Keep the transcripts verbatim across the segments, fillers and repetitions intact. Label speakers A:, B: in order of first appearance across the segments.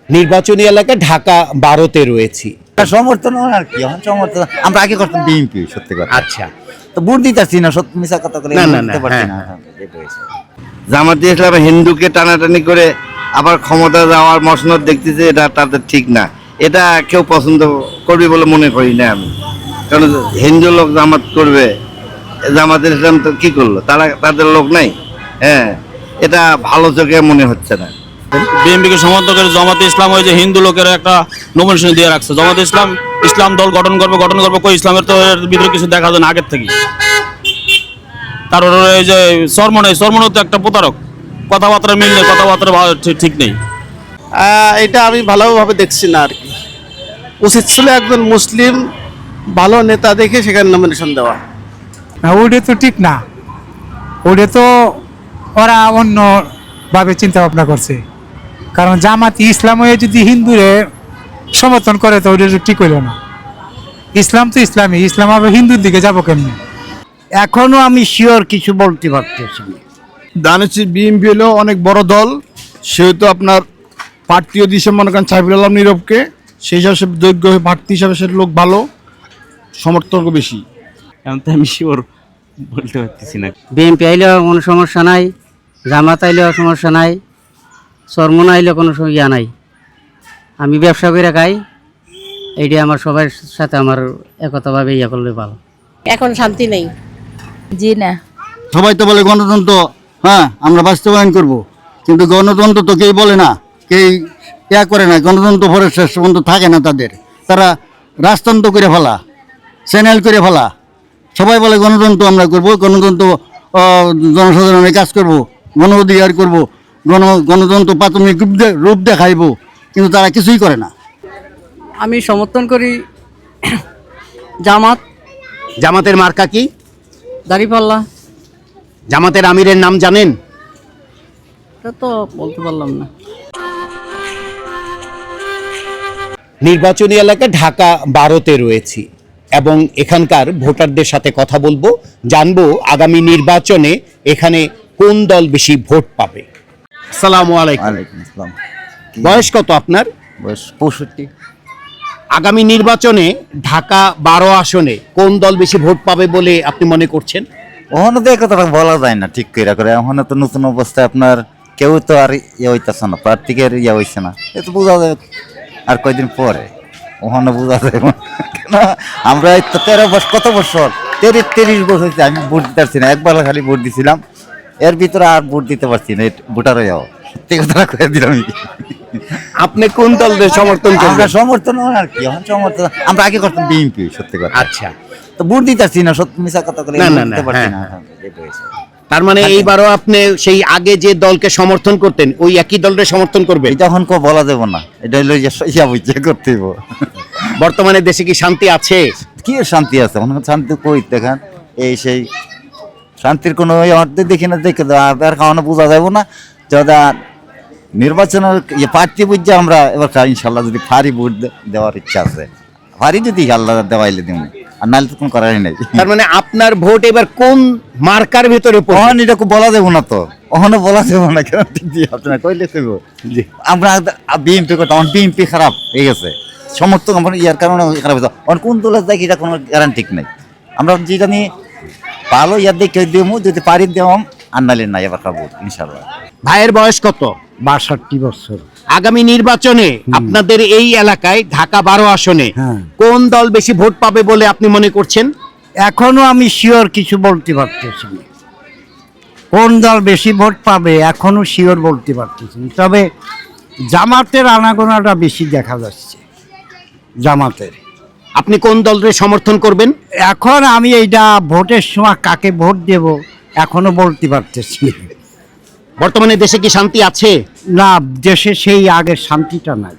A: নির্বাচনী এলাকা ঢাকা বারোতে রয়েছি।
B: সমর্থন আর কি এখন সমর্থন আমরা আগে করতাম বিএনপি সত্যি কথা।
A: আচ্ছা,
B: তো ভোট দিতেছি না, সত্যি মিছা কথা বলে
A: না, না,
B: দিতে
A: না,
B: পারছি
A: হ্যাঁ।
B: না। এটা হয়েছে।
C: জামাত ইসলাম হিন্দুকে টানাটানি করে আবার ক্ষমতা যাওয়ার মসনদ দেখতেছে, এটা তাদের ঠিক না। এটা কেউ পছন্দ করবে বলে মনে করি না আমি। কারণ হিন্দু লোক জামাত করবে, জামাত ইসলাম তো কি করলো, তারা তাদের লোক নাই। হ্যাঁ, এটা ভালো চোখে মনে হচ্ছে না।
D: বিএনপিকে সমর্থন করে জামাতে ইসলাম ওই যে হিন্দু লোকের একটা নমিনেশন দিয়ে রাখছে। জামাতে ইসলাম ইসলাম দল গঠন করবে গঠন করবে কই ইসলামের তো এর ভিতরে কিছু দেখা যায় না আগের থেকে। তারপর এই যে সরমন এই সরমনও তো একটা প্রতারক, কথাবার্তা মিল নেই, কথাবার্তা ভা- ঠিক- ঠিক নেই।
E: এটা আমি ভালোভাবে দেখছি না আর কি। উচিত ছিল একজন মুসলিম ভালো নেতা দেখে সেখানে নমিনেশন দেওয়া।
F: না, ওটা তো ঠিক না। ওটা তো ওরা অন্যভাবে চিন্তা ভাবনা করছে। কারণ জামাত ইসলাম হয়ে যদি হিন্দুরে সমর্থন করে তো ওটা তো ঠিক হইল না। ইসলাম তো ইসলামই, ইসলাম আবার হিন্দুর দিকে যাবো কেমনি?
B: এখনো আমি শিওর কিছু বলতে পারতেছি না।
G: দানেছি বিএনপি হলো অনেক বড় দল, সেহেতু আপনার প্রার্থীও দিয়েছে মনে করেন সাইফুল আলম নীরবকে, সেই হিসাবে যোগ্য প্রার্থী হিসাবে সে লোক ভালো, সমর্থক বেশি।
H: এখন তো আমি শিওর বলতে পারতেছি না।
I: বিএনপি আইলেও কোনো সমস্যা নাই, জামাত আইলেও সমস্যা নাই, চরমন আইলেও কোনো ইয়া নাই। আমি ব্যবসা করে খাই, এইটা আমার সবার সাথে আমার একতাভাবে ইয়া করলে ভালো।
J: এখন শান্তি নেই। জি না,
B: সবাই তো বলে গণতন্ত্র, হ্যাঁ আমরা বাস্তবায়ন করব, কিন্তু গণতন্ত্র তো কেউ বলে না, কেউ ইয়া করে না। গণতন্ত্র পরে শেষ পর্যন্ত থাকে না তাদের, তারা রাজতন্ত্র করে ফেলা, চ্যানেল করে ফেলা। সবাই বলে গণতন্ত্র আমরা করব, গণতন্ত্র আহ, জনসাধারণের কাজ করব, গণ অধিকার করব, গণ গণতন্ত্র প্রাথমিক রূপ দে- রূপ দেখাইব, কিন্তু তারা কিছুই করে না।
I: আমি সমর্থন করি জামাত,
A: জামাতের মার্কা কি?
I: দাঁড়িপাল্লা।
A: জামাতের আমিরের নাম জানেন?
I: এটা তো বলতে পারলাম না।
A: নির্বাচনী এলাকা ঢাকা বারোতে রয়েছি এবং এখানকার ভোটারদের সাথে কথা বলবো, জানবো আগামী নির্বাচনে এখানে কোন দল বেশি ভোট পাবে। আসসালামু আলাইকুম।
B: ওয়ালাইকুম আসসালাম।
A: বয়স কত আপনার?
B: বয়স পঁয়ষট্টি।
A: আগামী নির্বাচনে ঢাকা বারো আসনে কোন দল বেশি ভোট পাবে বলে আপনি মনে করছেন?
B: ওখানে তো একথা বলা যায় না ঠিক করে করে। ওখানে তো নতুন অবস্থায় আপনার কেউ তো আর ইয়ে হইতেছে না, প্রার্থীকে ইয়ে হইছে না, এ তো বোঝা যায় আর কয়দিন পরে ওখানে বোঝা যায়। কেন আমরা এই তো তেরো বছর কত বছর তিরিশ তিরিশ বছর হয়েছে আমি ভোট দিতে পারছি না, একবার খালি ভোট দিছিলাম, এর ভিতরে আর ভোট দিতে পারছি না। ভোটার হয়ে যাও, সত্যি কথা কয়ে দিলাম।
A: আপনি কোন দলের সমর্থন
B: আমরা
A: করবেন?
B: সমর্থন আর কি এখন সমর্থন আমরা আগে করতাম বিএনপি সত্যি কথা।
A: আচ্ছা,
B: তো ভোট দিতে পারছি না, সত্যি মিছা কথা বলে
A: না, না, না,
B: দিতে পারছি
A: হ্যাঁ।
B: না। এটা হয়েছে।
A: তার মানে এইবারও আপনি সেই আগে যে দলকে সমর্থন করতেন ওই একই দলের সমর্থন করবেন?
B: এটা এখন কেউ বলা যাবে না, এটা হলো যে ইয়া বুঝে করতে হইব।
A: বর্তমানে দেশে কি শান্তি আছে?
B: কি আর শান্তি আছে, মনে করেন শান্তি কই দেখেন, এই সেই শান্তির কোনো অর্ধে দেখি না, দেখে আর খাওয়ানো বোঝা যাবো না। যদা নির্বাচনের ইয়ে প্রার্থী বুঝছে আমরা এবার ইনশাল্লাহ যদি ফারি ভোট দে- দেওয়ার ইচ্ছা আছে, ফারি যদি আল্লাহ দেওয়াইলে দিব, আর নাহলে তো কোনো করারই নাই।
A: তার মানে আপনার ভোট এবার কোন মার্কার ভিতরে পড়বে?
B: ওখানে এটা খুব বলা যাবো না, তো ওখানে বলা যাবো না, কেন ঠিক দিয়ে আপনারা কইলে কইব
A: জি।
B: আমরা বিএনপি কথা, আমার বিএনপি খারাপ হয়ে গেছে, সমর্থক আমার ইয়ার কারণে খারাপ হয়েছে। অন কোন দলের দেখি এটা কোনো গ্যারান্টি নেই। আমরা যেটা নিয়ে ভালো ইয়ার দেখে দিব, যদি পারি দেওয়াম, আর নাহলে নাই এবার খাবো ইনশাল্লাহ।
A: ভাইয়ের বয়স কত?
B: বাষট্টি বছর।
A: আগামী নির্বাচনে আপনাদের এই এলাকায় ঢাকা বারো আসনে
B: হ্যাঁ।
A: কোন দল বেশি ভোট পাবে বলে আপনি মনে করছেন?
B: এখনো আমি শিওর কিছু বলতে পারতেছি না, কোন দল বেশি ভোট পাবে এখনো শিওর বলতে পারতেছি না। তবে জামাতের আনাগোনাটা বেশি দেখা যাচ্ছে, জামাতের।
A: আপনি কোন দলের সমর্থন করবেন?
B: এখন আমি এইটা ভোটের সময় কাকে ভোট দেব এখনো বলতে পারতেছি না।
A: বর্তমানে দেশে কি শান্তি আছে?
B: না, দেশে সেই আগের শান্তিটা নাই,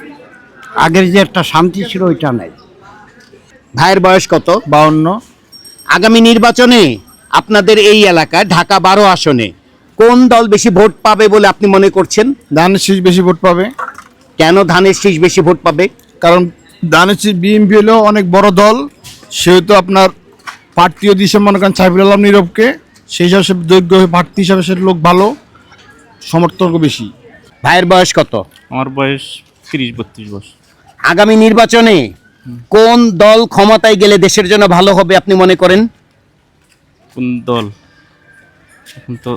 B: আগের যে একটা শান্তি ছিল ওইটা নাই।
A: ভাইয়ের বয়স কত?
G: বাউন্ন।
A: আগামী নির্বাচনে আপনাদের এই এলাকায় ঢাকা বারো আসনে কোন দল বেশি ভোট পাবে বলে আপনি মনে করছেন?
G: ধানের শীষ বেশি ভোট পাবে,
A: কেন ধানের শীষ বেশি ভোট পাবে?
G: কারণ দানেছি বিএনপি হলো অনেক বড় দল, সেহেতু আপনার প্রার্থীও দিয়েছে মনে করেন সাইফুল আলম নীরবকে, সেই হিসাবে যোগ্য প্রার্থী হিসাবে সে লোক ভালো, সমর্থক বেশি।
A: ভাইয়ের বয়স কত?
H: আমার বয়স তিরিশ বত্রিশ বছর।
A: আগামী নির্বাচনে কোন দল ক্ষমতায় গেলে দেশের জন্য ভালো হবে আপনি মনে করেন?
H: কোন দল এখন তো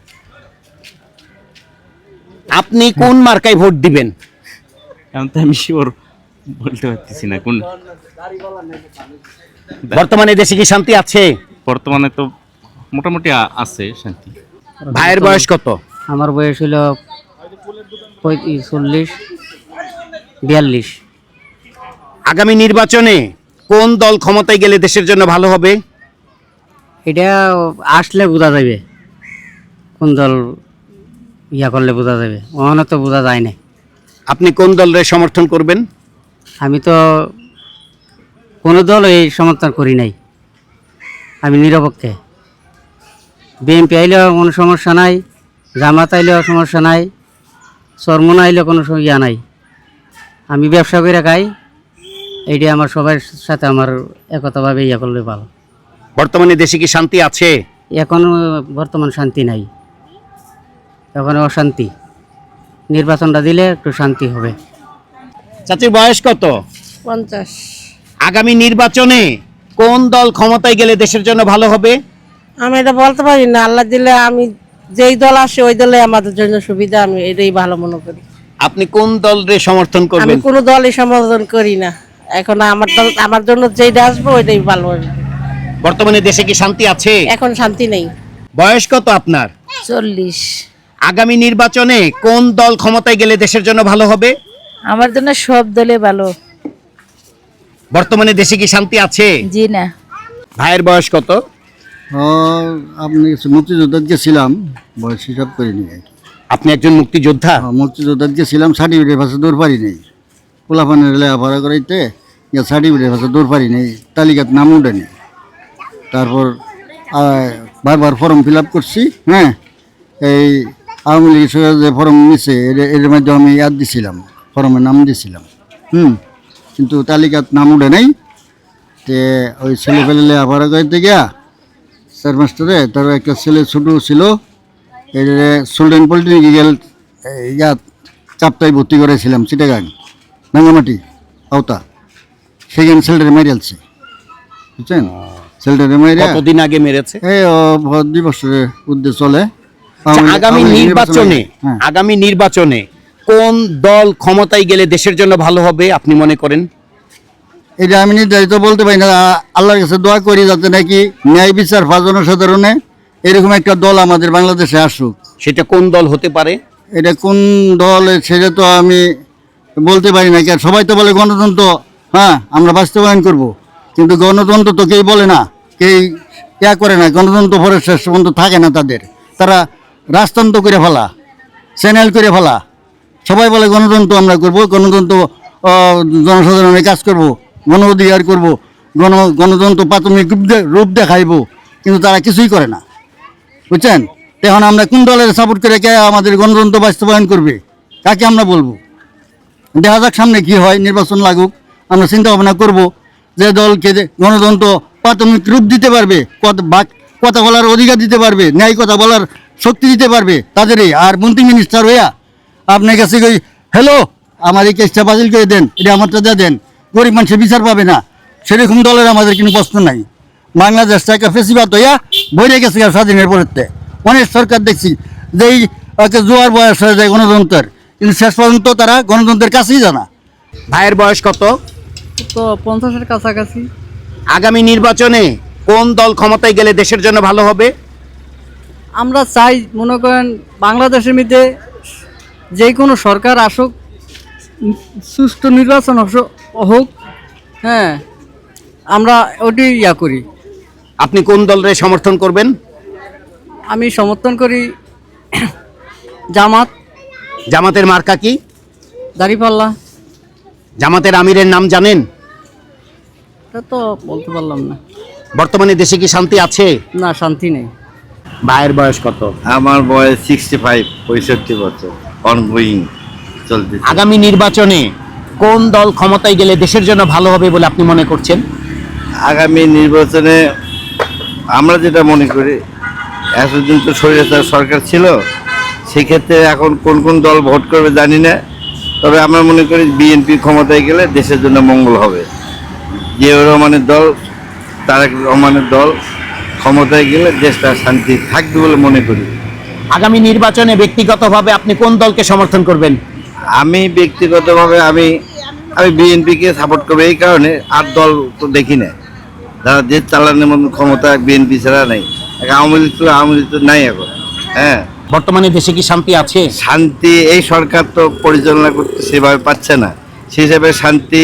A: আপনি কোন মার্কায় ভোট দিবেন?
H: এখন তো আমি শিওর বলতে পারতেছি না কোন।
A: বর্তমানে দেশে কি শান্তি আছে?
H: বর্তমানে তো মোটামুটি আ- আছে শান্তি।
A: ভাইয়ের বয়স কত?
I: আমার বয়স হলো চল্লিশ বিয়াল্লিশ।
A: আগামী নির্বাচনে কোন দল ক্ষমতায় গেলে দেশের জন্য ভালো হবে?
I: এটা আসলে বোঝা যাবে কোন দল ইয়া করলে বোঝা যাবে, ওখানে তো বোঝা যায় না।
A: আপনি কোন দলের সমর্থন করবেন?
I: আমি তো কোনো দল এই সমর্থন করি নাই, আমি নিরপেক্ষে। বিএনপি আইলেও কোনো সমস্যা নাই, জামাত আইলেও সমস্যা নাই, চরমন আইলেও কোনো সম- ইয়া নাই। আমি ব্যবসা করে খাই, এইটা আমার সবার সাথে আমার একতাভাবে ইয়া করলে ভালো।
A: বর্তমানে দেশে কি শান্তি আছে?
I: এখনো বর্তমান শান্তি নাই, এখন অশান্তি। নির্বাচনটা দিলে একটু শান্তি হবে।
A: চাচির বয়স কত?
J: পঞ্চাশ।
A: আগামী নির্বাচনে কোন দল ক্ষমতায় গেলে দেশের জন্য ভালো হবে?
J: আমি এটা বলতে পারি না, আল্লাহ দিলে আমি যেই দল আসে ওই দলে আমাদের জন্য সুবিধা, আমি এটাই ভালো মনে করি।
A: আপনি কোন দলের সমর্থন
J: আমি
A: করবেন?
J: কোনো দলই সমর্থন করি না, এখন আমার দল আমার জন্য যেইটা আসবে ওইটাই ভালো হবে।
A: বর্তমানে দেশে কি শান্তি আছে?
J: এখন শান্তি নেই।
A: বয়স কত আপনার?
J: চল্লিশ।
A: আগামী নির্বাচনে কোন দল ক্ষমতায় গেলে দেশের জন্য ভালো হবে?
J: আমার জন্য সব দলে ভালো।
A: বর্তমানে দেশে কি শান্তি আছে?
J: জি না।
A: ভাইয়ের বয়স কত?
B: আপনি মুক্তিযোদ্ধা গেছিলাম, বয়স হিসাব করিনি আর কি।
A: আপনি একজন মুক্তিযোদ্ধা?
B: মুক্তিযোদ্ধা গেছিলাম, সার্টিফিকেটের ভাষা দৌড় পারি নেই, পোলাপানের লেখাপড়া করাইতে সার্টিফিকেটের ভাষা দৌড় পারি নেই, তালিকাত নাম উঠেনি। তারপর আহ, বারবার ফর্ম ফিল আপ করছি। হ্যাঁ, এই আওয়ামী লীগ সরকার যে ফর্ম নিছে এর- এর মধ্যে আমি ইয়াদ দিছিলাম, ফর্মে নাম দিছিলাম। হুম, কিন্তু তালিকাত নাম উঠে নাই। তে ওই ছেলে ফেলে লেখাপড়া করাইতে গিয়া স্যার মাস্টারে তার একটা ছেলে ছোটো ছিল, এই সুলতান পলিটেকনিক্যাল ইয়াত চাপটাই ভর্তি করেছিলাম চিটাগাং রাঙ্গামাটি আওতা, সেখানে ছেলেটারে মেরে আলছে, বুঝছেন? ছেলেটারে মেরে
A: কতদিন আগে মেরেছে?
B: এই ও ভোট দুই বছরের উদ্দেশ্য চলে।
A: আচ্ছা,
B: আওয়ামী-
A: আগামী
B: আওয়ামী লীগ
A: নির্বাচনে
B: হ্যাঁ,
A: আগামী নির্বাচনে কোন দল ক্ষমতায় গেলে দেশের জন্য ভালো হবে আপনি মনে করেন?
B: এটা আমি নির্ধারিত বলতে পারি না। আ- আল্লাহর কাছে দোয়া করি যাতে নাকি ন্যায় বিচার বা জনসাধারণে এরকম একটা দল আমাদের বাংলাদেশে আসুক।
A: সেটা কোন দল হতে পারে?
B: এটা কোন দল সেটা তো আমি বলতে পারি না। কারণ সবাই তো বলে গণতন্ত্র, হ্যাঁ আমরা বাস্তবায়ন করব, কিন্তু গণতন্ত্র তো কেউ বলে না, কেউ ইয়া করে না। গণতন্ত্র পরে শেষ পর্যন্ত থাকে না তাদের, তারা রাজতন্ত্র করে ফেলা, চ্যানেল করে ফেলা। সবাই বলে গণতন্ত্র আমরা করব, গণতন্ত্র আহ, জনসাধারণের কাজ করব, গণ অধিকার করব, গণ গণতন্ত্র প্রাথমিক রূপ দে- রূপ দেখাইব, কিন্তু তারা কিছুই করে না, বুঝছেন? এখন আমরা কোন দলের সাপোর্ট করে কে আমাদের গণতন্ত্র বাস্তবায়ন করবে, কাকে আমরা বলবো? দেখা যাক সামনে কি হয়, নির্বাচন লাগুক, আমরা চিন্তা ভাবনা করব যে দলকে যে গণতন্ত্র প্রাথমিক রূপ দিতে পারবে, কথা বাক- কথা বলার অধিকার দিতে পারবে, ন্যায় কথা বলার শক্তি দিতে পারবে তাদেরই। আর মন্ত্রী মিনিস্টার হইয়া আপনার কাছে কই হ্যালো আমার এই কেসটা বাতিল করে দেন, এটা আমারটা দিয়ে দেন, গরিব মানুষের বিচার পাবে না, সেরকম দলের আমাদের কোনো প্রশ্ন নাই। বাংলাদেশটা একটা ফেসিবাদ হইয়া বইরে গেছে স্বাধীনের পরেতে। অনেক সরকার দেখছি যেই একটা জোয়ার বয়স হয়ে যায় গণতন্ত্রের, কিন্তু শেষ পর্যন্ত তারা গণতন্ত্রের কাছেই জানা।
A: ভাইয়ের বয়স কত?
I: তো পঞ্চাশের কাছাকাছি।
A: আগামী নির্বাচনে কোন দল ক্ষমতায় গেলে দেশের জন্য ভালো হবে?
I: আমরা চাই মনে করেন বাংলাদেশের মধ্যে যে কোনো সরকার আসুক, সুষ্ঠু নির্বাচন হস- হোক। হ্যাঁ, আমরা ওটি ইয়া করি।
A: আপনি কোন দলের সমর্থন করবেন?
I: আমি সমর্থন করি জামাত,
A: জামাতের মার্কা কি?
I: দাঁড়িপাল্লা।
A: জামাতের আমিরের নাম জানেন?
I: এটা তো বলতে পারলাম না।
A: বর্তমানে দেশে কি শান্তি আছে?
I: না, শান্তি নেই।
A: ভাইয়ের বয়স কত?
C: আমার বয়স সিক্সটি ফাইভ পঁয়ষট্টি বছর, অনগোয়িং চলতেছে।
A: আগামী নির্বাচনে কোন দল ক্ষমতায় গেলে দেশের জন্য ভালো হবে বলে আপনি মনে করছেন?
C: আগামী নির্বাচনে আমরা যেটা মনে করি, এতদিন তো স্বৈরাচার সরকার ছিল, সেক্ষেত্রে এখন কোন কোন দল ভোট করবে জানি না, তবে আমরা মনে করি বিএনপি ক্ষমতায় গেলে দেশের জন্য মঙ্গল হবে। জিয়াউর রহমানের দল, তারেক রহমানের দল ক্ষমতায় গেলে দেশটা শান্তি থাকবে বলে মনে করি।
A: আগামী নির্বাচনে ব্যক্তিগতভাবে আপনি কোন দলকে সমর্থন করবেন?
C: আমি ব্যক্তিগতভাবে আমি আমি বিএনপিকে সাপোর্ট করবো এই কারণে, আর দল তো দেখি না যারা দেশ চালানোর মতো ক্ষমতা বিএনপি ছাড়া নেই। আওয়ামী লীগ তো আওয়ামী লীগ তো নাই এখন। হ্যাঁ,
A: বর্তমানে দেশে কি শান্তি আছে?
C: শান্তি এই সরকার তো পরিচালনা করতে সেভাবে পাচ্ছে না, সেই হিসাবে শান্তি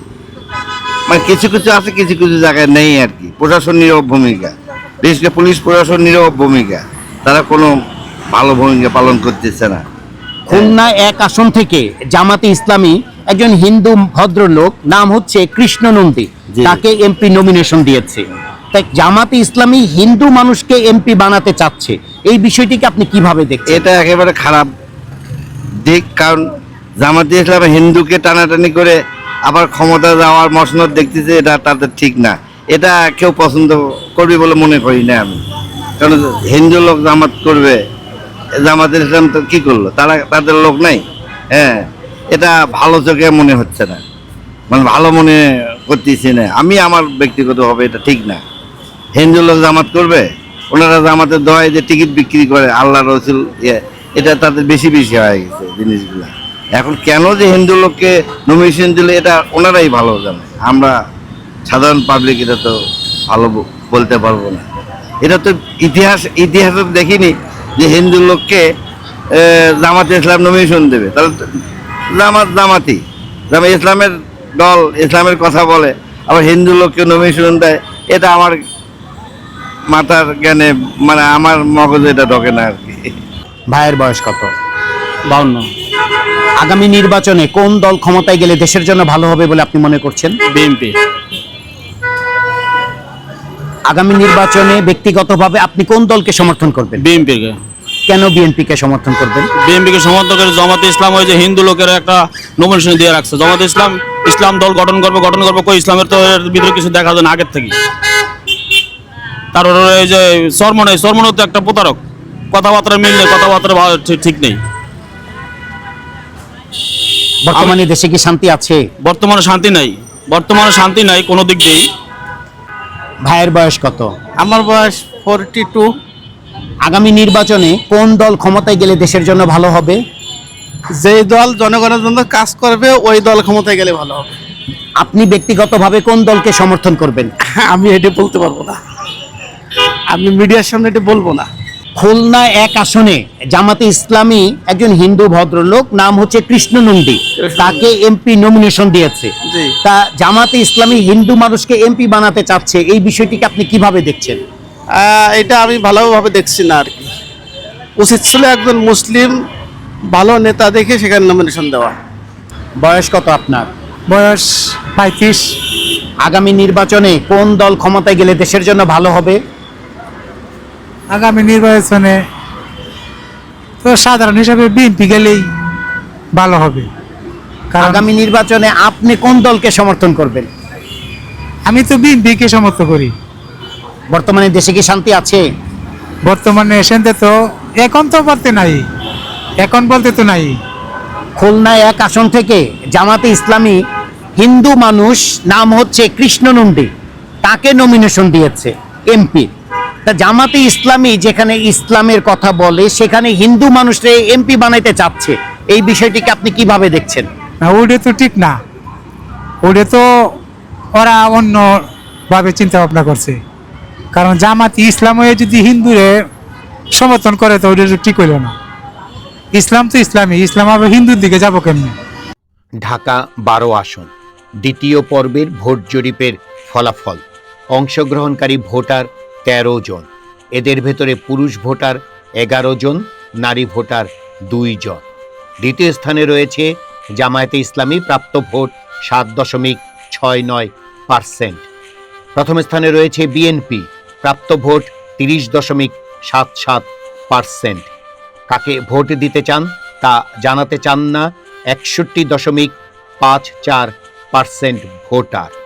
C: মানে কিছু কিছু আছে, কিছু কিছু জায়গায় নেই আর কি। প্রশাসন নীরব ভূমিকা, বিশেষ করে পুলিশ প্রশাসন নীরব ভূমিকা, তারা কোনো ভালো ভূমিকা পালন করতেছে না।
A: খুলনা এক আসন থেকে জামাতে ইসলামী একজন হিন্দু ভদ্রলোক, নাম হচ্ছে কৃষ্ণ নন্দী,
C: জি।
A: তাকে এমপি নমিনেশন দিয়েছে। তাই জামাতে ইসলামী হিন্দু মানুষকে এমপি বানাতে চাচ্ছে, এই বিষয়টিকে আপনি কিভাবে দেখছেন?
C: এটা একেবারে খারাপ দিক, কারণ জামাতে ইসলাম হিন্দুকে টানাটানি করে আবার ক্ষমতা যাওয়ার মসনদ দেখতেছে, এটা তাদের ঠিক না। এটা কেউ পছন্দ করবে বলে মনে করি না আমি, কারণ হিন্দু লোক জামাত করবে, জামাতের ইসলাম তো কি করলো, তারা তাদের লোক নাই। হ্যাঁ, এটা ভালো চোখে মনে হচ্ছে না, মানে ভালো মনে করতেছি না আমি। আমার ব্যক্তিগতভাবে এটা ঠিক না। হিন্দু লোক জামাত করবে, ওনারা জামাতের দোয়ায় যে টিকিট বিক্রি করে আল্লাহ রসুল, এটা তাদের বেশি বেশি হয়ে গেছে জিনিসগুলা। এখন কেন যে হিন্দু লোককে নমিনেশন দিলে এটা ওনারাই ভালো জানে, আমরা সাধারণ পাবলিক এটা তো ভালো বলতে পারবো না। এটা তো ইতিহাস ইতিহাসে দেখিনি যে হিন্দু লোককে জামাতে ইসলাম নমিনেশন দেবে। তাহলে জামাত জামাতি জামাত ইসলামের দল, ইসলামের কথা বলে, আবার হিন্দু লোককে নমিনেশন দেয়, এটা আমার মাথার জ্ঞানে মানে আমার মগজে এটা ঢোকে না আর কি।
A: ভাইয়ের বয়স কত?
D: বাউন্ন।
A: আগামী নির্বাচনে কোন দল ক্ষমতায় গেলে দেশের জন্য ভালো হবে বলে আপনি মনে করছেন?
D: বিএনপি।
A: আগামী নির্বাচনে ব্যক্তিগতভাবে আপনি কোন দলকে সমর্থন করবেন?
D: বিএনপিকে।
A: কেন বিএনপিকে সমর্থন করবেন?
D: বিএনপিকে সমর্থন করে জামাতে ইসলাম ওই যে হিন্দু লোকের একটা নমিনেশন দিয়ে রাখছে। জামাতে ইসলাম ইসলাম দল গঠন করবে গঠন করবে কই ইসলামের তো এর ভিতরে কিছু দেখা যায় না আগের থেকে। তারপরে এই যে সরমনে সরমনে তো একটা প্রতারক, কথাবার্তা মিল নেই, কথাবার্তা ভালো- ঠিক- ঠিক নেই।
A: বর্তমানে দেশে কি শান্তি আছে?
D: বর্তমানে শান্তি নাই, বর্তমানে শান্তি নাই কোনো দিক দিয়েই।
A: ভাইয়ের বয়স কত?
E: আমার বয়স ফোরটি টু।
A: আগামী নির্বাচনে কোন দল ক্ষমতায় গেলে দেশের জন্য ভালো হবে?
E: যেই দল জনগণের জন্য কাজ করবে ওই দল ক্ষমতায় গেলে ভালো হবে।
A: আপনি ব্যক্তিগতভাবে কোন দলকে সমর্থন করবেন?
E: আমি এটা বলতে পারবো না, আমি মিডিয়ার সামনে এটা বলবো না।
A: খুলনা এক আসনে জামাতে ইসলামী একজন হিন্দু ভদ্রলোক, নাম হচ্ছে কৃষ্ণ নন্দী, তাকে এমপি নমিনেশন দিয়েছে।
E: জি।
A: তা জামাতে ইসলামী হিন্দু মানুষকে এমপি বানাতে চাচ্ছে, এই বিষয়টিকে আপনি কিভাবে দেখছেন?
E: আহ, এটা আমি ভালোভাবে দেখছি না আর কি। উচিত ছিল একজন মুসলিম ভালো নেতা দেখে সেখানে নমিনেশন দেওয়া।
A: বয়স কত আপনার?
F: বয়স পঁয়ত্রিশ।
A: আগামী নির্বাচনে কোন দল ক্ষমতায় গেলে দেশের জন্য ভালো হবে?
F: আগামী নির্বাচনে তো সাধারণ হিসাবে বিএনপি গেলেই ভালো হবে, কারণ
A: আগামী নির্বাচনে আপনি কোন দলকে সমর্থন করবেন?
F: আমি তো বিএনপিকে সমর্থন করি।
A: বর্তমানে দেশে কি শান্তি আছে?
F: বর্তমানে এসেন্তে তো এখন তো বলতে নাই, এখন বলতে তো নাই।
A: খুলনা এক আসন থেকে জামাতে ইসলামী হিন্দু মানুষ, নাম হচ্ছে কৃষ্ণ নন্দী, তাকে নমিনেশন দিয়েছে এমপি। তা জামাতে ইসলামী যেখানে ইসলামের কথা বলে সেখানে হিন্দু মানুষরে এমপি বানাইতে চাচ্ছে, এই বিষয়টিকে আপনি কিভাবে দেখছেন?
F: না, ওটা তো ঠিক না, ওটা তো ওরা অন্যভাবে চিন্তা ভাবনা করছে। কারণ জামাতি ইসলাম হয়ে যদি হিন্দুরে সমর্থন করে তো ওটা তো ঠিক হইল না। ইসলাম তো ইসলামই, ইসলাম আবার হিন্দুর দিকে যাবো কেমনি?
A: ঢাকা বারো আসন দ্বিতীয় পর্বের ভোট জরিপের ফলাফল। অংশগ্রহণকারী ভোটার তেরো জন, এদের ভেতরে পুরুষ ভোটার এগারো জন, নারী ভোটার দুই জন। দ্বিতীয় স্থানে রয়েছে জামায়াতে ইসলামী, প্রাপ্ত ভোট সাত দশমিক ছয় নয় পার্সেন্ট। প্রথম স্থানে রয়েছে বিএনপি, প্রাপ্ত ভোট তিরিশ দশমিক সাত সাত পার্সেন্ট। কাকে ভোট দিতে চান তা জানাতে চান না একষট্টি দশমিক পাঁচ চার পার্সেন্ট ভোটার।